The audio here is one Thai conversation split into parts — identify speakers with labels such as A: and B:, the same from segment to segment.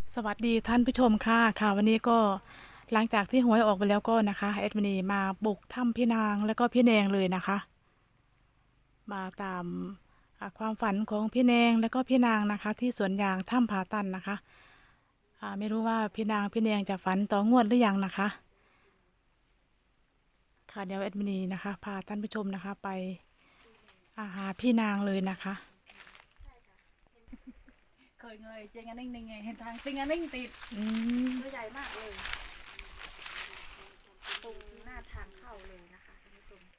A: สวัสดีท่านผู้ชมค่ะวันนี้ก็หลังจากที่หวยออกไปแล้วก็นะคะแอดมินีมาบุกถ้ำพี่นางแล้วก็พี่แนงเลยนะคะมาตามความฝันของพี่แนงแล้วก็พี่นางนะคะที่สวนยางถ้ำผาตันนะคะไม่รู้ว่าพี่นางพี่แนงจะฝันต่องวดหรือยังนะคะค่ะเดี๋ยวแอดมินีนะคะพาท่านผู้ชมนะคะไปหาพี่นางเลยนะคะ
B: เคยเงยเจงอันนิ่งไงเห็นทางติงอันนิ่งติดตัวใหญ่มากเลยตรงหน้าทางเข้าเลยนะคะท่านผู้ชม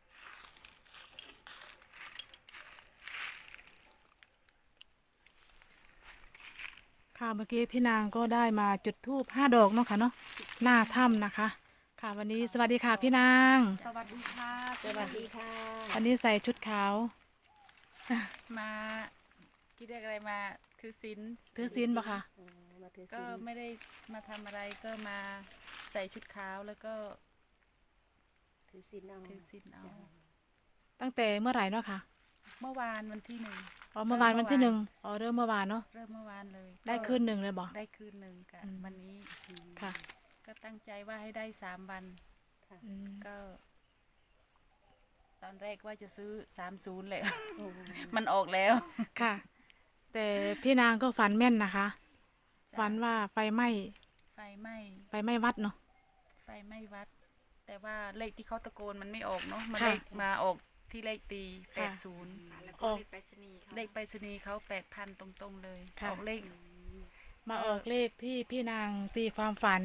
A: ค่ะเมื่อกี้พี่นางก็ได้มาจุดธูป5 ดอกเนาะค่ะเนาะหน้าถ้ำนะคะค่ะวันนี้สวัสดีค่ะพี่นาง
B: สวัสดีค่ะ
C: สวัสดีค่ะ
A: วันนี้ใส่ชุดขาว
B: มาคิดเรียกอะไรมาถือศีล
A: ถือศีลบ่ค่ะ
C: มาถือศี
B: ก็
C: ล
B: ไม่ได้มาทำอะไรก็มาใส่ชุดขาวแล้วก็
C: ถือศีลเอา
B: ถือศีลเอา
A: ตั้งแต่เมื่อไหร่เนาะค่ะ
B: เมื่อวานวันที่1
A: อ๋อเมื่อวานวันที่1อ๋อเริ่มเมื่อวานเนาะ
B: เริ่มเมื่อวานเลย
A: ได้คืนหนึ่งเลยบ่
B: ได้คืนหนึ่งค่ะ
A: อืม
B: วันนี้
A: ค่ะ
B: ก็ตั้งใจว่าให้ได้3 วัน
A: อืม
B: ก็ ตอนแรกว่าจะซื้อ30แหละ
C: โอ้
B: มันออกแล้ว
A: ค่ะ แต่พี่นางก็ฝันแม่นนะคะ ฝันว่าไฟไหม้
B: ไฟไหม้
A: ไฟไหม้วัดเนาะ
B: ไฟไหม้วัด แต่ว่าเลขที่เขาตะโกนมันไม่ออกเนาะมา
A: ค่ะ
B: เลขมาออกที่เลขตี
A: ค่ะ
B: 80
A: ออก
B: เลขไปรษณีย์เขา8,000ตรงๆเลย
A: ค่ะ
B: ออกเลข
A: มาออกเลขที่พี่นางตีความฝัน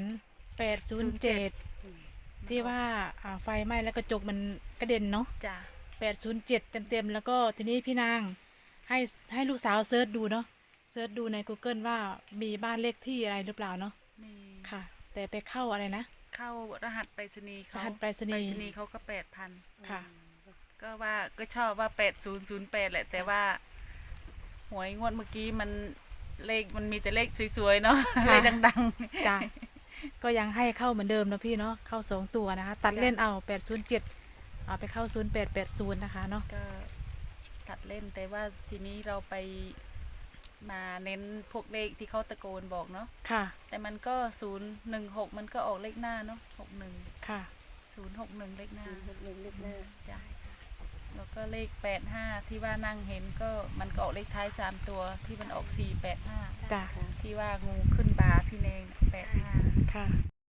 A: 807ที่ว่าไฟไหม้แล้วกระจกมันกระเด็นเนาะ
B: จ้ะ
A: 807เต็มๆแล้วก็ทีนี้พี่นางให้ลูกสาวเซิร์ชดูเนาะเซิร์ชดูใน Google ว่ามีบ้านเลขที่อะไรหรือเปล่าเนาะ
B: มี
A: ค่ะ แต่ไปเข้าอะไรนะ
B: เข้ารหัสไปรษณีย์เขา
A: รหัสไปรษณีย์
B: เขาก็8,000
A: ค่ะ
B: ก็ว่าก็ชอบว่า8008แหละ แต่ว่าหวยงวดเมื่อกี้มันเลขมันมีแต่เลขสวยๆเนาะ
A: ค่ะ
B: เลขดัง
A: จ้ะก็ยังให้เข้าเหมือนเดิมนะพี่เนาะเข้า2 ตัวนะคะ ตัดเล่นเอา807เอาไปเข้า0880นะคะเนาะ
B: ๆ ก็ตัดเล่นแต่ว่าทีนี้เราไปมาเน้นพวกเลขที่เขาตะโกนบอกเนาะ
A: ค่ะ
B: แต่มันก็016มันก็ออกเลขหน้าเนาะ61
A: ค่ะ
B: 061เลขหน้า
C: ศีลหกหนึ่งเลขหน้า
B: จ้ะแล้วก็เลข85ที่ว่านั่งเห็นก็มันก็ออกเลขท้าย3 ตัวที่มันออก485
A: จ้ะ
C: ค่ะ
B: ที่ว่างูขึ้นบาพี่เนง85
A: ค่ะ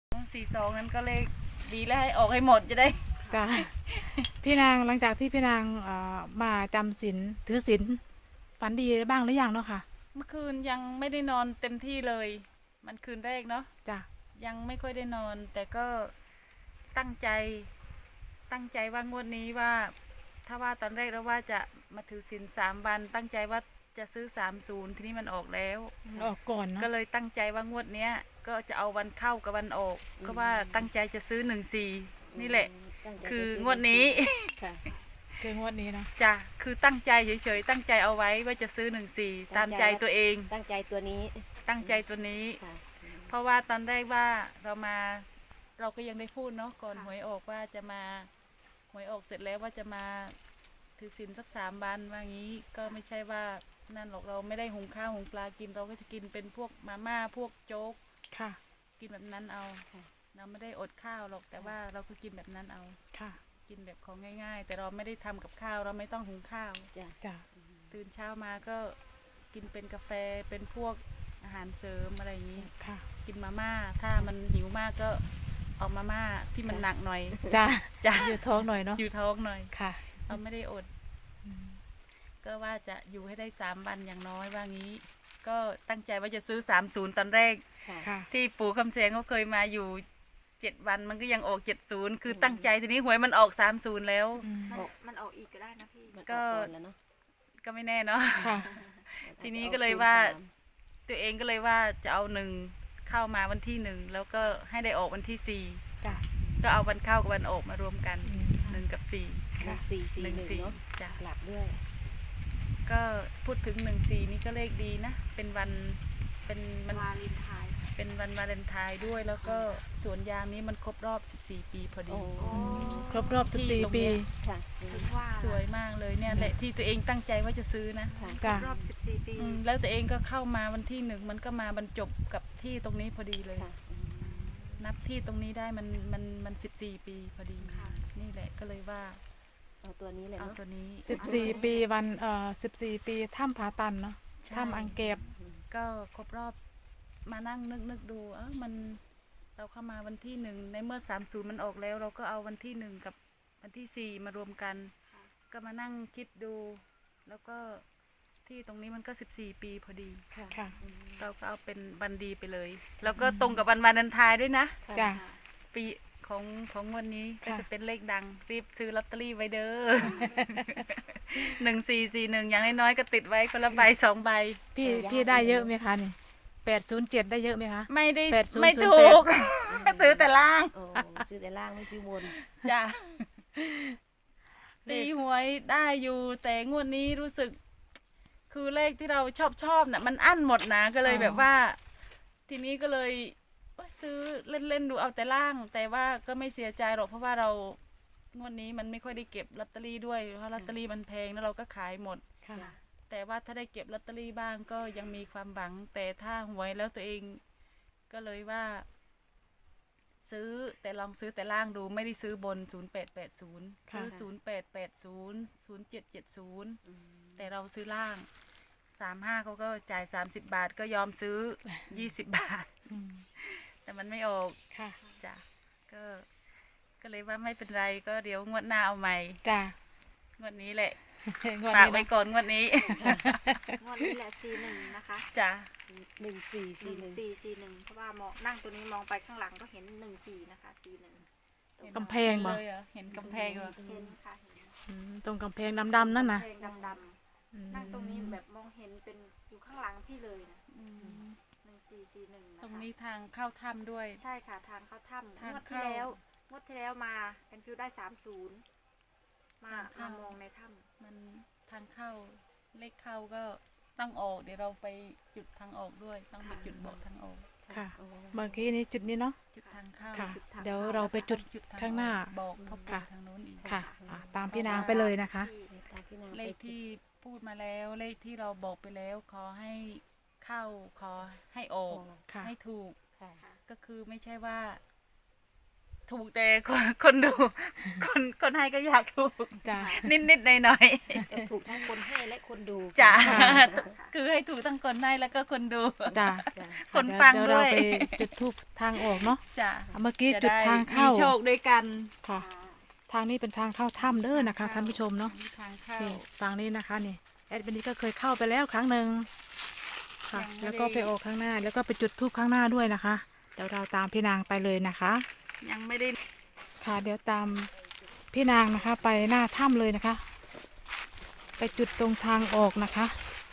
B: 42นั้นก็เลขดีแล้วให้ออกให้หมดจะได้
A: จ้ะพี่นางหลังจากที่พี่นางมาจำศีลถือศีลฝันดีบ้างหรือยังเนาะค่ะ
B: เมื่อคืนยังไม่ได้นอนเต็มที่เลย มันคืนแรกเนาะ
A: จ้ะ
B: ยังไม่ค่อยได้นอน แต่ก็ตั้งใจว่างวดนี้ว่า ถ้าว่าตอนแรกแล้วว่าจะมาถือศีล3 วัน ตั้งใจว่าจะซื้อ30ทีนี้มันออกแล้ว
A: ออกก่อนเนาะ
B: ก็เลยตั้งใจว่างวดเนี้ย ก็จะเอาวันเข้ากับวันออก ก็ว่าตั้งใจจะซื้อ14นี่แหละ
C: ตั้งใจ
B: คื
C: จะ
B: อ
C: ซื้
B: งวดนี้
C: ค่ะ
A: คืองวดนี้เนาะ
B: จ้ะคือตั้งใจเฉยๆตั้งใจเอาไว้ว่าจะซื้อ14ตามใจตัวเอง
C: ตั้งใจตัวนี้
B: ตั้งใจตัวนี้
C: ค่ะ
B: เพราะว่าตอนแรกว่าเราก็ยังได้พูดเนาะก่อนหวยออกว่าจะมาหวยออกเสร็จแล้วว่าจะมาถือศีลสัก3 วันว่างี้ก็ไม่ใช่ว่านั่นหรอกเราไม่ได้หุงข้าวหุงปลากินเราก็จะกินเป็นพวกมาม่าพวกโจ๊ก
A: ค่ะ
B: กินแบบนั้นเอา
C: ค่ะ
B: เราไม่ได้อดข้าวหรอกแต่ว่าเราก็กินแบบนั้นเอา
A: ค่ะ
B: กินแบบของง่าย ๆ แต่เราไม่ได้ทำกับข้าวเราไม่ต้องหุงข้าว
C: จ้ะ
A: จ้ะ
B: ตื่นเช้ามาก็กินเป็นกาแฟเป็นพวกอาหารเสริมอะไรอย่างนี้
A: ค่ะ
B: กินมาม่าถ้ามันหิวมากก็เอามาม่าที่มันหนักหน่อย
A: จ้ะ
B: จ้ะ
A: อยู่ท้องหน่อยเนาะ
B: อยู่ท้องหน่อย
A: ค่ะ
B: เราไม่ได้อด
A: อืม
B: ก็ว่าจะอยู่ให้ได้3 วันอย่างน้อยว่างี้ ก็ตั้งใจว่าจะซื้อ30ตอนแรก
C: ค่ะ
A: ค่ะ
B: ที่ปู่คำเสนเขาเคยมาอยู่7 วันมันก็ยังออก70คือตั้งใจทีนี้หวยมันออก30แล้ว
A: อืม
D: มันออกอีกก็ได้นะพี่
C: มัน
B: ก็
C: ออกก่อนแล้วเนาะ
B: ก็ไม่แน่เนาะ
A: ค่ะ
B: ทีนี้ก็เลยว่า ตัวเองก็เลยว่าจะเอา1เข้ามาวันที่1แล้วก็ให้ได้ออกวันที่4
A: จ้ะ
B: ก็เอาวันเข้ากับวันออกมารวมกัน
A: อืม
B: 1 กับ 4
C: ค่ะ441เนาะ
B: จ้ะ
C: กลับด้วย
B: ก็พูดถึง14นี่ก็เลขดีนะ เป็นวันเป็นมัน
D: วาเลนไทน์
B: เป็นเป็นวันวาเลนไทน์ด้วย แล้วก็สวนยางนี้มันครบรอบ 14 ปีพอดี
C: โอ้
A: ครบรอบ 14 ปี
C: ค่ะ
D: ถึงว่า
B: สวยมากเลยเนี่ยแหละที่ตัวเองตั้งใจว่าจะซื้อนะ
C: ค่ะ
A: จ้ะ
D: รอบ 14 ปี
B: แล้วตัวเองก็เข้ามาวันที่ 1มันก็มาบรรจบกับที่ตรงนี้พอดีเลย
C: ค่ะ
B: นับที่ตรงนี้ได้มัน14 ปีพอดี
D: ค่ะ
B: นี่แหละก็เลยว่า
C: เอาตัวนี้เลย
B: เอา
C: เนาะ
B: ตัวนี้
A: 14 ปีวัน14 ปีถ้ำผาตันเนาะ
B: ใช่
A: ถ้ำอังเก็บ
B: ก็ครบรอบมานั่งนึกดูมันเราเข้ามาวันที่ 1ในเมื่อ30มันออกแล้ว เราก็เอาวันที่ 1กับวันที่ 4มารวมกัน ก็มานั่งคิดดู แล้วก็ที่ตรงนี้มันก็14 ปีพอดี
C: ค่ะ
A: ค่ะ
B: เราก็เอาเป็นวันดีไปเลย แล้วก็ตรงกับวันวาเลนไทน์ด้วยนะ
A: จ้ะ
B: ปีของวันนี้ก็
A: ค่ะ
B: จะเป็นเลขดังรีบซื้อลอตเตอรี่ไว้เด้อ 1441อย่างน้อยๆก็ติดไว้คนละใบ2 ใบ
A: พี่ได้เยอะไหมคะนี่807ได้เยอะไหมคะ
B: ไม่ได้
A: 8008
B: ไม่ถูก ซื้อแต่ล่าง
C: โอ้ซื้อแต่ล่างไม่ซื้อบน
B: จ้ะตีหวยได้อยู่ แต่งวดนี้รู้สึก คือเลขที่เราชอบน่ะ มันอั้นหมดนะก็เลยแบบว่า ทีนี้ก็เลยซื้อเล่นๆดูเอาแต่ล่าง แต่ว่าก็ไม่เสียใจหรอกเพราะว่าเรางวดนี้มันไม่ค่อยได้เก็บลอตเตอรี่ด้วยเพราะลอตเตอรี่มันแพงแล้วเราก็ขายหมด
A: ค่ะ
B: แต่ว่าถ้าได้เก็บลอตเตอรี่บ้างก็ยังมีความหวัง แต่ถ้าหวยแล้วตัวเองก็เลยว่า ซื้อแต่ลองซื้อแต่ล่างดูไม่ได้ซื้อบน 0880
A: ค่ะ
B: ซื้อ 0880 0770 แต่เราซื้อล่าง 35เขาก็จ่าย 30 บาทก็ยอมซื้อ 20 บาท
A: อืม
B: แต่มันไม่ออก
A: ค่ะ
B: จ้ะก็เลยว่าไม่เป็นไรก็เดี๋ยวงวดหน้าเอาใหม่
A: จ้ะ
B: งวดนี้แหละ
A: งวด
B: ฝาก
A: นี้
B: ไว้
A: เนาะ
B: ก่อนงวดนี้
D: งวดนี้แหละ 41 นะคะ
B: จ้ะ
C: 1441
D: 1441 เพราะว่ามองนั่งตัวนี้มองไปข้างหลังก็เห็น 14 นะคะ 41
A: กำแพงบ่
B: เลยเหรอเห็นกำแพงเหรอ
D: เห็นค่ะเห็น
A: อืมตรงกำแพงดำๆนั่นนะ
D: เพลงดำ
A: อืม
D: ๆนั่งตรงนี้แบบมองเห็นเป็นอยู่ข้างหลังพี่เลยนะ1441 นะคะ
B: ตรงนี้ทางเข้าถ้ำด้วย
D: ใช่ค่ะทางเข้าถ้ำ
B: ทาง
D: งวดที่
B: เข้า
D: แล้วงวดที่แล้วมาแอนฟิวได้ 30 มา
B: ทางเข้าม
D: ามองในถ้
B: มันทางเข้าเลขเข้าก็ต้องออก เดี๋ยวเราไปจุดทางออกด้วย ต้องไปจุดบอกทางออก
A: ค่ะ เมื่อกี้นี้จุดนี้เนาะ
B: จุดทางเข้า
A: ค่ะ เดี๋ยวเราไปจุด
B: จุดท
A: ข้างหน้า
B: บอกเขาไป
A: ค่ะ
B: ทางโน้นอีก
A: ค่ะตามพี่นางไปเลยนะคะ
D: ำที่
C: ตามพี่นาง
B: เลขที่พูดมาแล้ว เลขที่เราบอกไปแล้ว ขอให้เข้า ขอให้ออก
A: ค่ะ
B: ให้ถูก
C: ค่ะ
B: ก็คือไม่ใช่ว่า ถูกแต่คนดู คนให้ก็อยากถูก
A: จ้ะ
B: นิดๆหน่อย
C: ก็ถูกทั้งคนให้และคนดู
B: ๆจ้ะ
A: ค่ะ
B: คือให้ถูกทั้งคนให้แล้วก็คนดู
A: จ้ะ
C: จ้ะ
B: คนฟัง
A: เดี๋ยว
B: ด้
A: เรา
B: วย
A: ไปจุดทูปทางออกเนาะ
B: จ้ะ
A: เมื่อกี้
B: จะ
A: จุด
B: ได้
A: ทาง
B: มี
A: เข้า
B: โชคด้วยกัน
A: ค่ะ ทางนี้เป็นทางเข้าถ้ำเด้อนะคะท่านผู้ชมเนาะ
B: มีทางเข้า
A: นี่ฝั่งนี้นะคะนี่แอดมินนี้ก็เคยเข้าไปแล้วครั้งหนึ่งค่ะ
B: ยังไม่ได้
A: แล้วก็ไปออกข้างหน้า แล้วก็ไปจุดทูปข้างหน้าด้วยนะคะ เดี๋ยวเราตามพี่นางไปเลยนะคะ
B: ยังไม่ได้
A: ค่ะ เดี๋ยวตามพี่นางนะคะ ไปหน้าถ้ำเลยนะคะ ไปจุดตรงทางออกนะคะ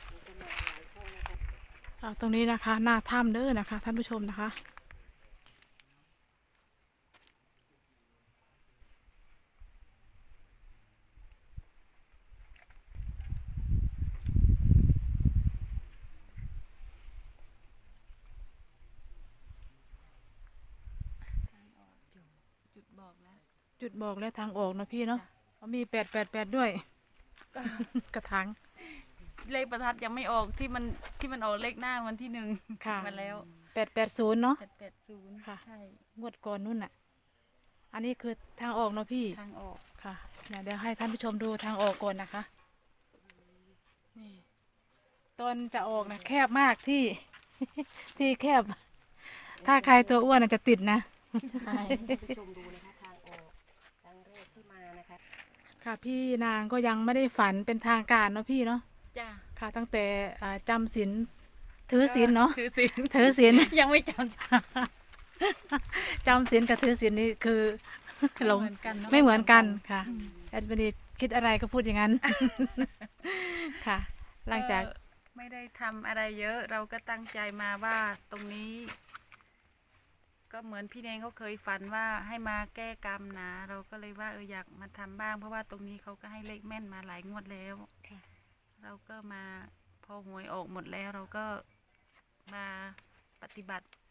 A: ตรงนี้นะคะ หน้าถ้ำเด้อนะคะ ท่านผู้ชมนะคะ
B: จุดบอกแล้ว
A: จุดบอกและทางออกนะพี่เนาะมี888ด้วย กระถาง
B: เลขประทัดยังไม่ออกที่มันออกเลขหน้าวันที่1
A: ค่ะ
B: มาแล้ว
A: 880เนาะ
B: 880
A: ค่ะ
B: ใช่
A: งวดก่อนนู่นน่ะ อันนี้คือทางออกเนาะพี่
B: ทางออก
A: ค่ะเดี๋ยวให้ท่านผู้ชมดูทางออกก่อนนะคะ นี่ตอนจะออกนะแคบมากที่ ที่แคบ ถ้าใครตัวอ้วนอาจจะติดนะ
C: ใช่ผู้ชมดูนะคะทางออกครั้งแรกที่มานะคะ
A: ค่ะพี่นางก็ยังไม่ได้ฝันเป็นทางการเนาะพี่เนาะ
B: จ้า
A: ค่ะ ตั้งแต่จำศีลถือศีลเนาะ
B: ถือศีล
A: ถือศีล
B: ยังไม่จำ
A: จำศีลกับถือศีลนี่คือ หลง
B: เหมือนกันเนอะ
A: ไม่เหมือนกันค่ะแอดมินคิดอะไรก็พูดอย่างนั้น ค่ะ หลังจาก
B: ไม่ได้ทำอะไรเยอะ เราก็ตั้งใจมาว่าตรงนี้ ก็เหมือนพี่เนงเขาเคยฝันว่าให้มาแก้กรรมนะเราก็เลยว่าอยากมาทำบ้าง เพราะว่าตรงนี้เขาก็ให้เลขแม่นมาหลายงวดแล้ว
A: ค่ะ
B: เราก็มาพอหวยออกหมดแล้ว เราก็มาปฏิบัติ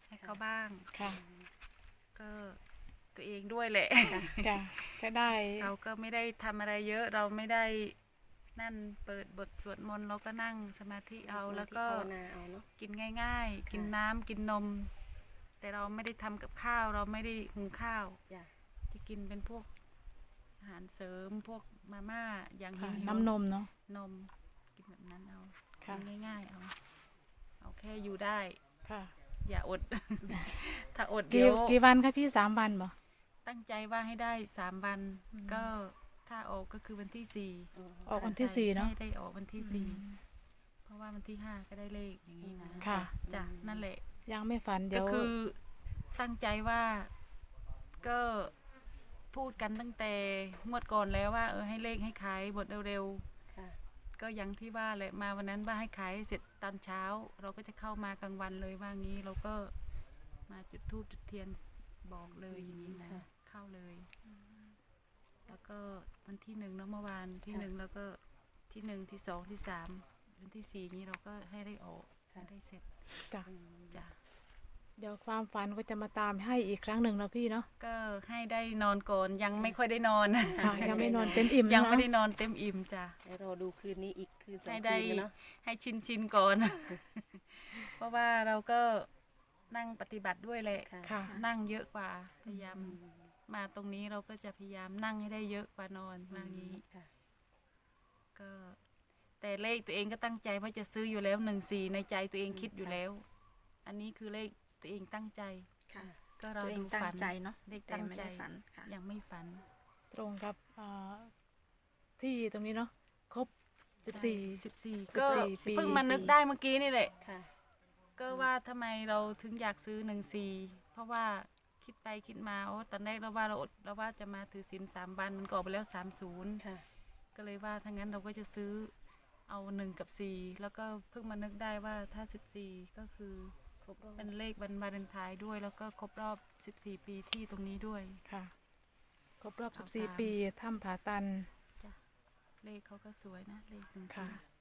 B: ให้เขาบ้าง
A: ค่ะ
B: ก็ตัวเองด้วยแหละ
A: จ้ะก็ได้
B: เราก็ไม่ได้ทำอะไรเยอะเราไม่ได้นั่นเปิดบทสวดมนต์เราก็นั่งสมาธิเอาแล้วก็
C: ภาวนาเอาเนาะ
B: กินง่าย ๆ กินน้ำกินนม แต่เราไม่ได้ทำกับข้าว เราไม่ได้หุงข้าว
C: จ้ะ
B: จะกินเป็นพวกอาหารเสริมพวกมาม่าอย่าง
A: ค่ะ
B: หิวๆ
A: น้ำนมเนาะ
B: นมกินแบบนั้นเอา
A: ค่ะ
B: กินง่ายๆเอาแค่อยู่ได้
A: ค่ะ
B: อย่าอด ถ้าอด
A: กี่
B: เดี๋ยว
A: กี่วันคะพี่3 วันบ่
B: ตั้งใจว่าให้ได้3 วัน ก็ถ้าออกก็คือวันที่
C: อ๋อ
A: ออกวันที่4เนาะ
B: ให้ได้ออกวันที่4เพราะว่าวันที่5ก็ได้เลขอย่างนี้นะ
A: ค่ะ
B: จ้ะนั่นแหละ
A: ยังไม่ฝันเดี๋
B: ก็
A: ยว
B: คือตั้งใจว่าก็พูดกันตั้งแต่งวดก่อนแล้วว่าให้เลขให้ขายหมดเร็ว
C: ค่ะ
B: ๆก็อย่างที่ว่าแหละมาวันนั้นว่าให้ขายเสร็จตอนเช้า เราก็จะเข้ามากลางวันเลยว่างี้เราก็มาจุดธูปจุดเทียนบอกเลยอย่างนี้นะเข้าเลย แล้วก็วันที่1เนาะเมื่อวานที่1แล้วก็ที่1ที่2ที่3วันที่4นี้เราก็ให้ได้ออกให้ได้เสร็จ
A: จ้ะ
B: จ้ะ
A: เดี๋ยวความฝันก็จะมาตามให้อีกครั้งหนึ่งเนาะพี่เนาะ
B: ก็ให้ได้นอนก่อนยังไม่ค่อยได้นอน
A: ค่ะยังไม่นอนเต็มอิ่ม
B: ยัง
A: เนาะ
B: ไม่ได้นอนเต็มอิ่มจ้ะ
C: เดี๋ยวรอดูคืนนี้อีกคืนสอง
B: ให้
C: คื
B: ได้
C: นกันเนาะ
B: ให้ชินก่อน เพราะว่าเราก็นั่งปฏิบัติด้วยแหละ
C: ค่ะ
A: ค่ะ
B: นั่งเยอะกว่าพยายามมาตรงนี้เราก็จะพยายามนั่งให้ได้เยอะกว่านอนมางี้
C: ค่ะ
B: ก็แต่เลขตัวเองก็ตั้งใจว่าจะซื้ออยู่แล้ว14ในใจตัวเองคิดอยู่แล้ว อันนี้คือเลขตัวเองตั้งใจ
E: ค่ะ
B: ก็เรา
E: ตัวเอง
B: ดู
E: ตั้ง
B: ฝัน
E: ใจเนาะ
B: เลข
E: แต่
B: ตั้ง
E: ไม่
B: ใจ
E: ได้ฝันค่ะ
B: ยังไม่ฝัน
A: ตรงกับที่ตรงนี้เนาะครบ 14
B: 14ก็
A: 14ปี
B: เพิ่งมานึกได้เมื่อกี้นี่แหละ
C: ค่ะ
B: ก็ว่าทำไมเราถึงอยากซื้อ14เพราะว่าคิดไปคิดมาโอ้ตอนแรกเราว่าเราอดเราว่าจะมาถือศีล3 วันมันก็ออกไปแล้ว30
C: ค่ะ
B: ก็เลยว่าถ้างั้นเราก็จะซื้อเอา1กับ4แล้วก็เพิ่งมานึกได้ว่าถ้า14ก็คือ
C: ครบรอบ
B: เป็นเลขวันวาเลนไทน์ด้วย แล้วก็ครบรอบ14ปีที่ตรงนี้ด้วย
A: ค่ะ ครบรอบ
B: เอา
A: 14
B: ตาม
A: ปีถ้ำผาตัน
B: จ้ะเลขเขาก็สวยนะเลข
A: ค่ะ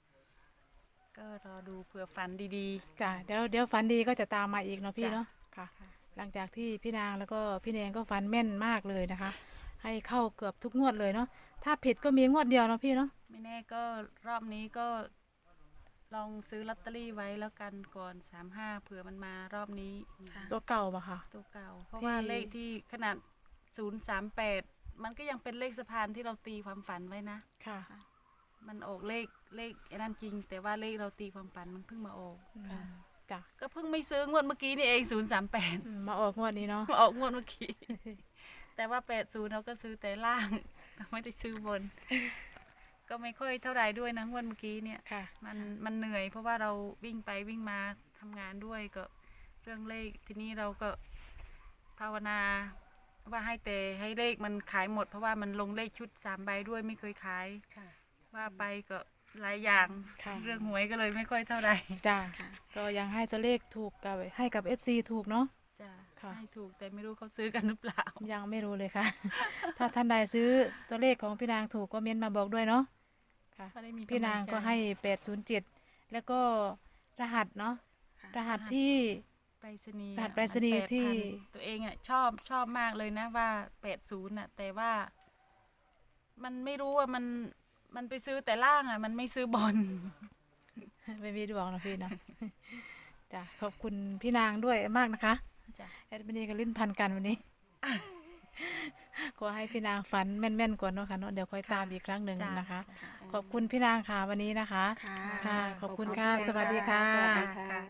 B: 14ก็รอดูเผื่อฝันดี
A: จ้ะเดี๋ยวฝันดีก็จะตามมาอีกเนาะพี่
B: จ้ะ
A: เนาะค่ะ
B: ๆค่ะ
A: หลังจากที่พี่นางแล้วก็พี่แนงก็ฝันแม่นมากเลยนะคะ ให้เข้าเกือบทุกงวดเลยเนาะถ้าผิดก็มีงวดเดียวเนาะพี่เนาะ
B: ไม่แน่ก็รอบนี้ก็ลองซื้อลอตเตอรี่ไว้แล้วกันก่อน35เผื่อมันมารอบนี้
E: ค่ะ
A: ตัวเก่าปะค่ะ
B: ตัวเก่า เพราะ
A: ที่
B: ว่าเลขที่ขนาด038มันก็ยังเป็นเลขสะพานที่เราตีความฝันไว้นะ
A: ค่ะ
B: มันออกเลขไอ้นั่นจริง แต่ว่าเลขเราตีความฝันมันเพิ่งมาออก
A: ค่ะจ้ะ
B: ก็เพิ่งไม่ซื้องวดเมื่อกี้นี่เอง038
A: มาออกงวดนี้เนาะ
B: มาออกงวดเมื่อกี้ แต่ว่า80เราก็ซื้อแต่ล่าง ไม่ได้ซื้อบน ก็ไม่ค่อยเท่าไหร่ด้วยนะงวดเมื่อกี้เนี่ย
A: ค่ะ
B: มันเหนื่อย เพราะว่าเราวิ่งไปวิ่งมาทำงานด้วยก็เรื่องเลขทีนี้เราก็ภาวนาว่าให้เลขมันขายหมด เพราะว่ามันลงเลขชุด3 ใบด้วยไม่เคยขาย
C: ค่ะ
B: ว่าไปก็หลายอย่าง
A: ค่ะ
B: เรื่องหวยก็เลยไม่ค่อยเท่าไหร่
A: จ้ะ
E: ค่ะ
A: ก็ยังให้ตัวเลขถูกกับให้กับ FC ถูกเนาะ
B: จ้ะ
A: ค่ะ
B: ให้ถูกแต่ไม่รู้เขาซื้อกันหรือเปล่า
A: ยังไม่รู้เลยค่ะ ถ้าท่านใดซื้อตัวเลขของพี่นางถูกก็เม้นมาบอกด้วยเนาะค่ะ
B: ไม่ได้มี
A: พี่นางก็ให้807แล้วก็รหัสเนาะ
E: ค่ะ
A: รหัสที่
B: ไปรษณีย์
A: รหัส
B: อะ
A: ไปรษณีย์
B: มัน8,000
A: ที่
B: ตัวเองอ่ะชอบมากเลยนะว่า80น่ะแต่ว่า มันไม่รู้ว่ามันไปซื้อแต่ล่างอ่ะ มันไม่ซื้อบน
A: ไม่มีดวงนะพี่เนาะ จ้ะขอบคุณพี่นางด้วยมากนะคะ
B: จ้ะ
A: แอดมินก็ลิ้นพันกันวันนี้ ก็ให้พี่นางฝันแม่นๆก่อนเนาะค่ะเนาะเดี๋ยวค่อยตามอีกครั้งหนึ่ง
B: จ้ะ
A: นะคะ
B: จ้ะ
A: ขอบคุณพี่นางค่ะวันนี้นะคะ
E: ค่ะ
A: ค่ะ ขอบคุณค่ะ
C: ขอบคุณ
A: สวัสดีค่ะ
C: สวัสดีค่ะ